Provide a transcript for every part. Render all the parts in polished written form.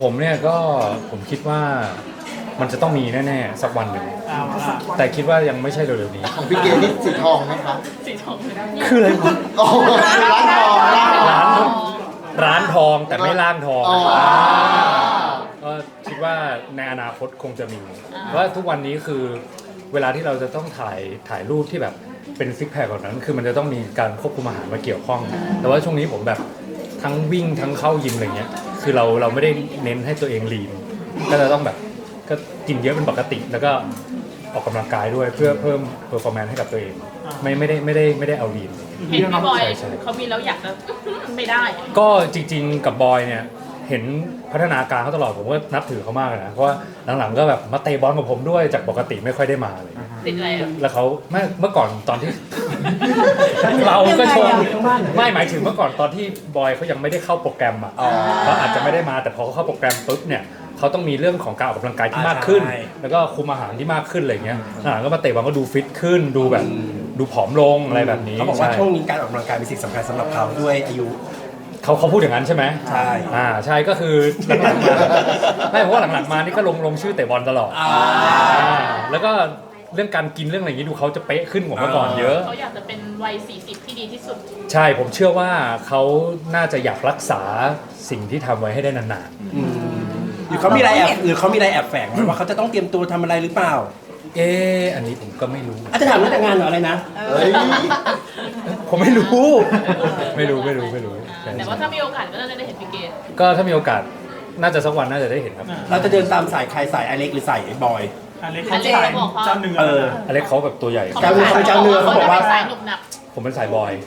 ผมเนี่ยก็ผมคิดว่ามันจะต้องมีแน่ๆสักวันหนึ่งแต่คิดว่ายังไม่ใช่เร็วๆนี้ของพี่เกดนี่สีทองไหมคะสีทองคืออะไรวะโอ้ร้านทองร้านทองแต่ไม่ล่างทองอ๋อก็คิดว่าในอนาคตคงจะมีเพราะว่าทุกวันนี้คือเวลาที่เราจะต้องถ่ายรูปที่แบบเป็นซิกแพคแบบนั้นคือมันจะต้องมีการควบคุมอาหารมาเกี่ยวข้อง แต่ว่าช่วงนี้ผมแบบทั้งวิ่งทั้งเข้ายิมอะไรเงี้ยคือเราไม่ได้เน้นให้ตัวเองลีนก็จะต้องแบบก็กินเยอะเป็นปกติแล้วก็ออกกำลังกายด้วยเพื่อเพิ่มเพอร์ฟอร์แมนซ์ให้กับตัวเองไม่ได้เอาลีนเห็นพี่บอยใช่เขามีแล้วอยากจะไม่ได้ก็จริงๆกับบอยเนี่ยเห็นพัฒนาการเขาตลอดผมก็นับถือเขามากเลยนะเพราะว่าหลังๆก็แบบมาเตะบอลกับผมด้วยจากปกติไม่ค่อยได้มาเลยติดอะไรอ่ะแล้วเขาเมื่อก่อนตอนที่ เราก็ชมไม่หมายถึงเมื่อก่อนตอนที่บอยเขายังไม่ได้เข้าโปรแกรมอ่ะเขาอาจจะไม่ได้มาแต่พอเขาเข้าโปรแกรมปุ๊บเนี่ยเขาต้องมีเรื่องของการออกกำลังกายที่มากขึ้น แล้วก็คุมอาหารที่มากขึ้นอะไรเงี้ยก็มาเตะบอลก็ดูฟิตขึ้นดูแบบดูผอมลงอะไรแบบนี้เขาบอกว่าใช่วงนี้การออกกำลังกายเป็นสิ่งสำคัญสำหรับเขาด้วยอายุเขาพูดอย่างนั้นใช่ไหมใช่ใช่ก็คือหลังๆมาไม่เพราะว่าหลังๆมานี่ก็ลงชื่อเตะบอลตลอดแล้วก็เรื่องการกินเรื่องอะไรอย่างนี้ดูเขาจะเป๊ะขึ้นกว่าเมื่อก่อนเยอะเขาอยากจะเป็นวัย40ที่ดีที่สุดใช่ผมเชื่อว่าเขาน่าจะอยากรักษาสิ่งที่ทำไว้ให้ได้นานหรือเขามีอะไรแอบแฝงไว้ว่าเขาจะต้องเตรียมตัวทำอะไรหรือเปล่าๆอันนี้ผมก็ไม่รู้อาจจะถามเรื่องแต่งงานหรืออะไรนะเฮ้ยผมไม่รู้ไม่รู้ใช่แต่ว่าถ้ามีโอกาสก็น่าจะได้เห็นพี่เกดก็ถ้ามีโอกาสน่าจะสักวันน่าจะได้เห็นครับเราจะเดินตามสายใครสายไอเล็กหรือสายไอ้บอยอเล็กเขาบอกเขาเอออเล็กเขาแบบตัวใหญ่เจ้าเนื้อเขาบอกว่าสายหนุบหนับผมเป็นสายบอย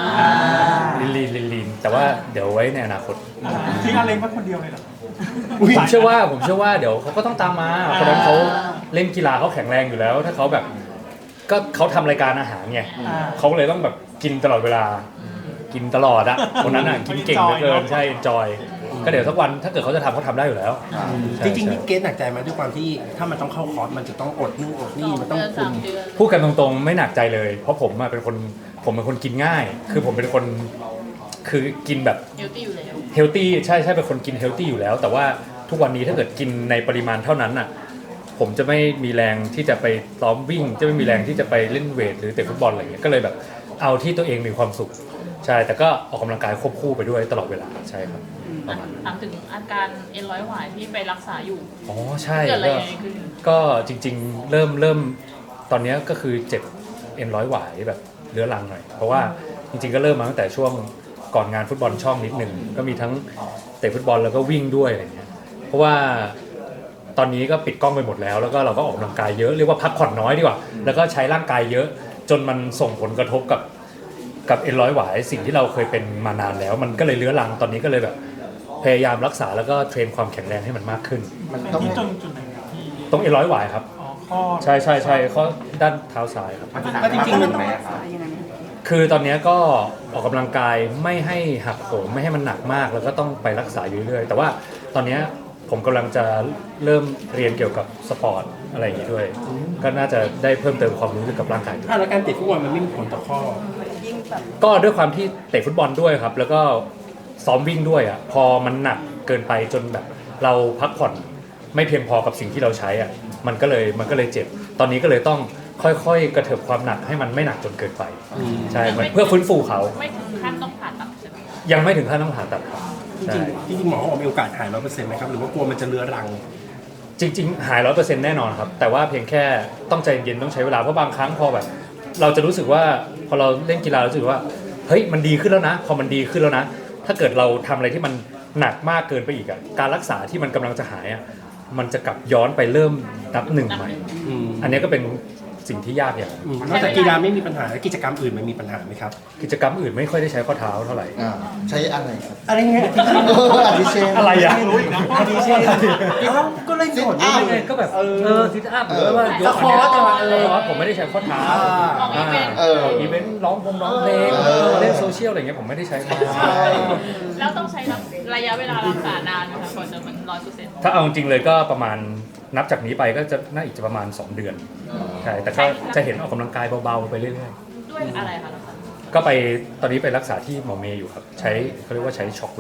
ลีนแต่ว่าเดี๋ยวไว้ในอนาคตทิ้งอเล็กไว้คนเดียวเลยเหรอผมเชื่อว่าเดี๋ยวเขาก็ต้องตามมาเพราะฉะนั้นเขาเล่นกีฬาเขาแข็งแรงอยู่แล้ว ถ้าเขาแบบก็เขาทำรายการอาหารไงเขาเลยต้องแบบกินตลอดเวลากินตลอดอะคนนั้นอะกินเก่งเหลือเกินใช่จอยก็เดี๋ยวสักวันถ้าเกิดเขาจะทำเขาทำได้อยู่แล้วจริงๆนี่เกณฑ์หนักใจไหมด้วยความที่ถ้ามันต้องเข้าคอร์สมันจะต้องอดนู่นอดนี่มันต้องคุม 3 เดือนพูดกันตรงๆไม่หนักใจเลย เพราะผมอะเป็นคนกินง่าย คือผมเป็นคนคือกินแบบเฮลตี้อยู่แล้วเฮลตี้ใช่เป็นคนกินเฮลตี้อยู่แล้ว แต่ว่าทุกวันนี้ถ้าเกิดกินในปริมาณเท่านั้นน่ะผมจะไม่มีแรงที่จะไปซ้อมวิ่ง จะไม่มีแรงที่จะไปเล่นเวทหรือเตะฟุตบอลอะไรอย่างเงี้ยก็เลยแบบเอาที่ตัวเองมีความสุขใช่แต่ก็ออกกำลังกายควบคู่ไปด้วยตลอดเวลาใช่ครับประมาณนั้นถามถึงอาการเอ็นร้อยหวายที่ไปรักษาอยู่อ๋อใช่เกิดอะไรก็ยังไงขึ้นก็จริงๆเริ่มตอนเนี้ยก็คือเจ็บเอ็นร้อยหวายแบบเรื้อรังหน่อยเพราะว่าจริงๆก็เริ่มมาตั้งแต่ช่วงก่อนงานฟุตบอลช่องนิดหนึ่งก็มีทั้งเตะฟุตบอลแล้วก็วิ่งด้วยอะไรเงี้ยเพราะว่าตอนนี้ก็ปิดกล้องไปหมดแล้วแล้วก็เราก็ออกกำลังกายเยอะเรียกว่าพักผ่อนน้อยดีกว่าแล้วก็ใช้ร่างกายเยอะจนมันส่งผลกระทบกับเอ็นร้อยหวายสิ่งที่เราเคยเป็นมานานแล้ว มันก็เลยเรื้อรังตอนนี้ก็เลยแบบพยายามรักษาแล้วก็เทรนความแข็งแรงให้มันมากขึ้นมันต้องที่จุดไหนครับที่ตรงเอ็นร้อยหวายครับอ๋อข้อใช่ข้อด้านเท้าซ้ายครับแล้วจริงๆมันคือตอนนี้ก็ออกกำลังกายไม่ให้หักโหมไม่ให้มันหนักมากแล้วก็ต้องไปรักษาอยู่เรื่อยๆแต่ว่าตอนนี้ผมกำลังจะเริ่มเรียนเกี่ยวกับสปอร์ตอะไรอย่างนี้ด้วย ก็น่าจะได้เพิ่มเติมความรู้เกี่ยวกับร่างกายด้วยแล้วการเตะฟุตบอลมันไม่มีผลต่อข้อก็ด้วยความที่เตะฟุตบอลด้วยครับ แล้วก็ซ้อมวิ่งด้วยอ่ะพอมันหนักเกินไปจนแบบเราพักผ่อนไม่เพียงพอกับสิ่งที่เราใช้อ่ะมันก็เลยเจ็บตอนนี้ก็เลยต้องค่อยๆกระเถิบความหนักให้มันไม่หนักจนเกินไปใช่เพื่อฟื้นฟูเขาไม่ถึงขั้นต้องผ่าตัดใช่ไหมยังไม่ถึงขั้นต้องผ่าตัดครับจใช่ริงๆหมอบอกมีโอกาสหาย100%ไหมครับหรือว่ากลัวมันจะเรื้อรังจริงๆหาย100%แน่นอนครับแต่ว่าเพียงแค่ต้องใจเย็นต้องใช้เวลาเพราะบางครั้งพอแบบเราจะรู้สึกว่าพอเราเล่นกีฬารู้สึกว่าเฮ้ยมันดีขึ้นแล้วนะพอมันดีขึ้นแล้วนะถ้าเกิดเราทำอะไรที่มันหนักมากเกินไปอีกอ่ะการรักษาที่มันกำลังจะหายอ่ะมันจะกลับย้อนไปเริ่มนับหนึ่งใหม่ อันนี้ก็เป็นสิ่งที่ยากอย่างนอกจากกีฬาไม่มีปัญหาแล้วกิจกรรมอื่นมันมีปัญหาไหมครับกิจกรรมอื่นไม่ค่อยได้ใช้ข้อเท้าเท่าไหร่ใช้อะไรครับอะไรเงี้ยอาทิเช่นอะไรอ่ะไม่รู้อีกนะอาทิเช่นก็เล่นสดอ้าวไงก็แบบซิทอัพหรือว่ายกสควอตอะผมไม่ได้ใช้ข้อเท้าออกอีเวนต์อีเวนต์ร้องเพลงเล่นโซเชียลอะไรเงี้ยผมไม่ได้ใช้ข้อเท้าแล้วต้องใช้ระยะเวลารักษานานไหมคะก่อนจะมัน100% ถ้าเอาจริงๆเลยก็ประมาณนับจากนี้ไปก็จะน่าอีกจะประมาณ 2 เดือนใช่แต่ก็จะเห็นออกกำลังกายเบาๆไปเรื่อยด้วยอะไรคะรักษาๆก็ไปตอนนี้ไปรักษาที่หมอเมย์อยู่ครับใช้เขาเรียกว่าใช้ช็อคเวฟ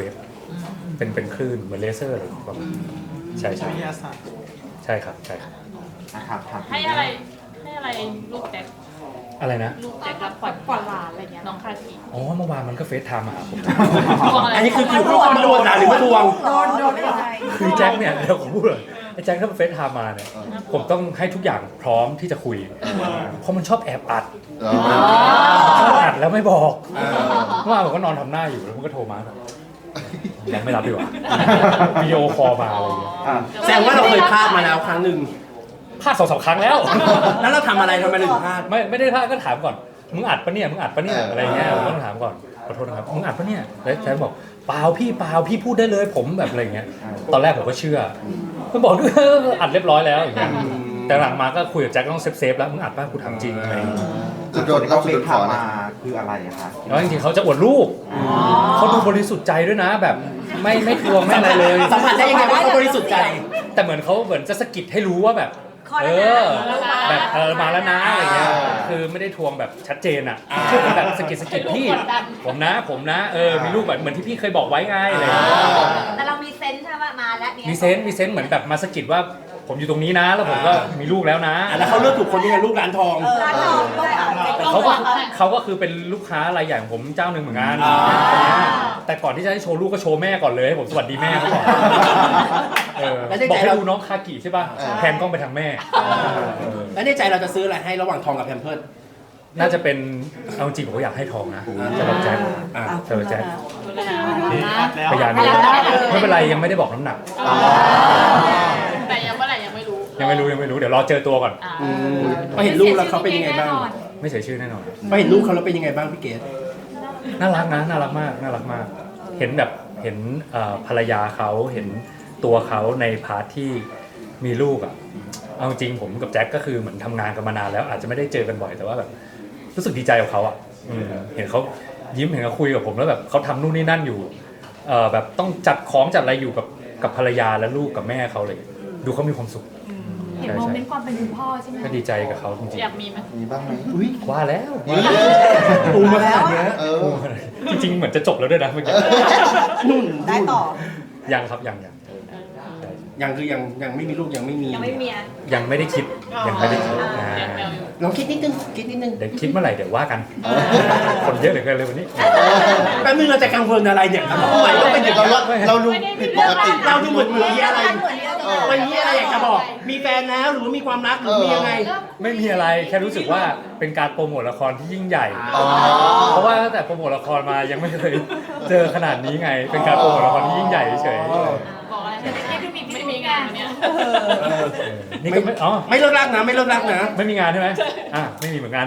เป็นคลื่นเหมือนเลเซอร์อะไรประมาณใช่ใช่วิทยาศาสตร์ใช่ครับใช่ครับให้อะไรลูกแจ็คอะไรนะลูกแจ็ครับก่อนหลานอะไรเงี้ยน้องคาทีอ๋อเมื่อวานมันก็เฟซไทม์มาหาผมทวงอะไรอันนี้คือเขาโดนด่าหรือว่าทวงโดนอะไรคือแจ็คเนี่ยเดี๋ยวผมพูดเลยไอ้แจ็คถ้ามันเฟซไทม์มาเนี่ยผมต้องให้ทุกอย่างพร้อมที่จะคุยเพราะมันชอบแอบอัดเหรอชอบอัดแล้วไม่บอกเออเมื่อวานผมก็นอนทำหน้าอยู่แล้วมันก็โทรมาแบบยังไม่รับดีกว่าวิดีโอคอลมาอะไรอย่างเงี้ยแสดงว่าเราเคยพลาดมาแล้วครั้งหนึ่งพลาด2-3 ครั้งแล้วแล้วเราทำอะไรทำไมเราถึงพลาดไม่ได้พลาดก็ถามก่อนมึงอัดปะเนี่ยมึงอัดปะเนี่ยอะไรเงี้ยผมต้องถามก่อนขอโทษนะครับมึงอัดปะเนี่ยแล้วแจ็คบอกเปล่าพี่พูดได้เลยผมแบบอะไรเงี้ยตอนแรกผมก็เชื่อมันบอกด้วยอัดเรียบร้อยแล้วอย่างเงี้ยแต่หลังมาก็คุยกับแจ็คต้องเซฟแล้วมึงอัดป่ะกูถามจริงอะไรอย่างเงี้ยจุดโดนเราจุดขอนะคืออะไรอะคะแล้วจริงๆเขาจะอวดรูปเขาดูบริสุทธิ์ใจด้วยนะแบบไม่ทวงไม่อะไรเลยสัมผัสได้ยังไงว่าเขาบริสุทธิ์ใจแต่เหมือนเขาเหมือนจะสะกิดให้รู้ว่าแบบแบบมาแล้วนะอะไรเงี้ยคือไม่ได้ทวงแบบชัดเจนอ่ะแบบสะกิดพี่ผมนะมีลูกแบบเหมือนที่พี่เคยบอกไว้ไงอะไรเงี้ยแต่เรามีเซนส์ใช่ไหมมาแล้วเนี่ยมีเซนส์เหมือนแบบมาสะกิดว่าผมอยู่ตรงนี้นะ แล้วผมก็มีลูกแล้วนะแล้วเขาเลือกถูกคนยังไงลูกร้านทองร้านทองต้องเอาแต่เขาก็คือเป็นลูกค้ารายใหญ่ของผมเจ้าหนึ่งเหมือนกันแต่ก่อนที่จะให้โชว์ลูกก็โชว์แม่ก่อนเลยให้ผมสวัสดีแม่เขาก่อนบอกให้ดูน้องคากิใช่ป่ะแพนกล้องไปทางแม่แล้วในใจเราจะซื้ออะไรให้ระหว่างทองกับแพมเพิร์สน่าจะเป็นเอาจริงผมก็อยากให้ทองนะสำหรับแจ็คสำหรับแจ็ค พยานไม่เป็นไรยังไม่ได้บอกน้ำหนักแต่ยังเมื่อไหร่ยังไม่รู้ยังไม่รู้เดี๋ยวรอเจอตัวก่อนพอเห็นลูกแล้วเขาเป็นยังไงบ้างไม่เสียชื่อแน่นอนพอเห็นลูกเขาแล้วเป็นยังไงบ้างพี่เกดน่ารักนะน่ารักมากเห็นแบบเห็นภรรยาเขาเห็นตัวเขาในพาร์ทที่มีลูกอ่ะเอาจริงผมกับแจ็คก็คือเหมือนทำงานกันมานานแล้วอาจจะไม่ได้เจอกันบ่อยแต่ว่าแบบรู้สึกดีใจกับเขาอ่ะเห็นเขายิ้มเห็นเขาคุยกับผมแล้วแบบเขาทำนู่นนี่นั่นอยู่แบบต้องจัดของจัดอะไรอยู่กับภรรยาและลูกกับแม่เขาเลย ดูเขามีความสุขเห็นโมเมนต์ความเป็นคุณพ่อใช่ไหมก็ดีใจกับเขาจริงอยากมีไหมมีบ้างไหมๆว่าแล้วปูมาขนาดเนี้ยเออจริงๆเหมือนจะจบแล้วด้วยนะเมื่อกี้ได้ต่อยังครับยังยังคือยังไม่มีลูกยังไม่มียังไม่มีอ่ะยังไม่ได้คิดยังไม่ได้คิดยังแมวอยู่ลองคิดนิดนึงเดี๋ยวคิดเมื่อไหร่เดี๋ยวว่ากัน คนเยอะเหลือเกินเลยวันนี้แป๊บนึงเราจะกังวลอะไรเนี่ยทำไมต้องเป็นอย่างเรานั้นเราดูผิดปกติเราดูเหมือนมีอะไรวันนี้อะไรอยากจะบอก มีแฟนแล้วหรือว่ามีความรักหรือมียังไงไม่มีอะไรแค่รู้สึกว่าเป็นการโปรโมทละครที่ยิ่งใหญ่อ๋อเพราะว่าตั้งแต่โปรโมทละครมายังไม่เคยเจอขนาดนี้ไง เป็นการโปรโมทละครที่ยิ่งใหญ่เฉยบอกอะไรไม่มีงานวันเนี้ยๆนี่ก็ไม่อ๋อไม่เลิกรักนะไม่เลิกรักนะไม่มีงานใช่ไหมไม่มีเหมือนกัน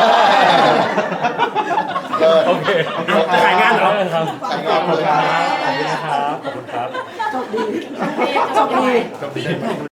เออโอเคจะขายงานเหรอครับขายงานเลยขอบคุณนะครับขอบคุณครับจบดีจบดี